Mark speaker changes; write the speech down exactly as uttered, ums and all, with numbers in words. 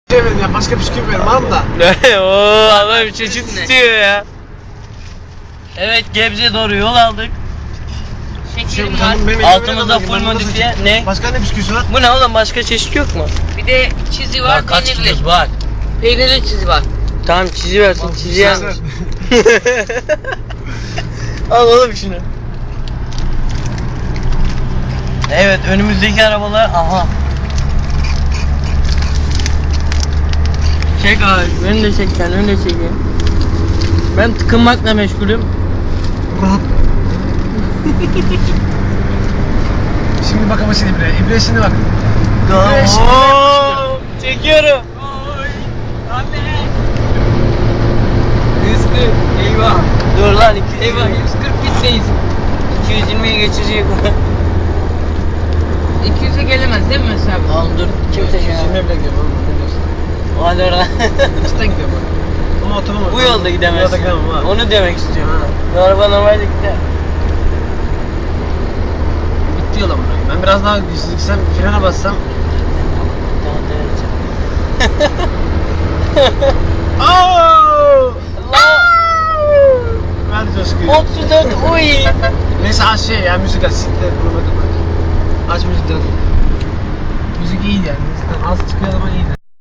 Speaker 1: Verin ya, başka bisküvi verin var mı da?
Speaker 2: Ooo Allah bir çeşit istiyor ya. Evet, Gebze'ye doğru yol aldık.
Speaker 3: Şekerim
Speaker 1: Şey,
Speaker 3: var.
Speaker 1: benim elime
Speaker 2: Altımızda
Speaker 1: verin,
Speaker 2: full
Speaker 1: ben bunu
Speaker 2: modifiye.
Speaker 1: nasıl-
Speaker 2: Ne?
Speaker 1: Başka ne bisküvisi var?
Speaker 2: Bu ne oğlum, başka çeşit yok mu?
Speaker 3: Bir de çizi var,
Speaker 2: Bak kaç
Speaker 3: peynirli.
Speaker 2: kilosu bak.
Speaker 3: Peynirli çizi var.
Speaker 2: Tamam, çizi versin, çizi
Speaker 1: Ver.
Speaker 2: yanlış. Al oğlum şunu. Evet, önümüzdeki arabalar, aha. Çek abi, beni de çek, sen beni de çekeyim. Ben tıkınmakla meşgulüm.
Speaker 1: Rahat. Şimdi bak ama şimdi İbre. İbre şimdi bak. İbre şimdi
Speaker 2: Oo, çekiyorum.
Speaker 3: Anne. yüz kırk. Eyvah.
Speaker 2: Dur lan, iki yüz
Speaker 3: Eyvah
Speaker 2: yirmi.
Speaker 3: yüz kırk gitseyiz.
Speaker 2: iki yüz yirmiye geçecek.
Speaker 3: iki yüze gelemez değil mi mesela?
Speaker 2: Oğlum dur, kimse şey
Speaker 1: Şimdi bile gidiyorum oğlum. Biliyorsun.
Speaker 2: Hadi oradan.
Speaker 1: Üstten gidiyorum bak. Ama otomam var.
Speaker 2: Bu yolda gidemezsin.
Speaker 1: Bu yolda gidemem abi.
Speaker 2: Onu demek istiyorum.
Speaker 1: Ha.
Speaker 2: Bu araba normalde gider.
Speaker 1: Bitti yol ama. Ben biraz daha gitsem, frene bassam. Aaaaaa! Ver coşkuyu.
Speaker 2: otuz dört uy.
Speaker 1: Neyse aç şey ya, müzik aç. Siktir bunu bakın. Aç müzik dön. Müzik iyiydi yani. Müzikten az çıkıyor ama iyiydi.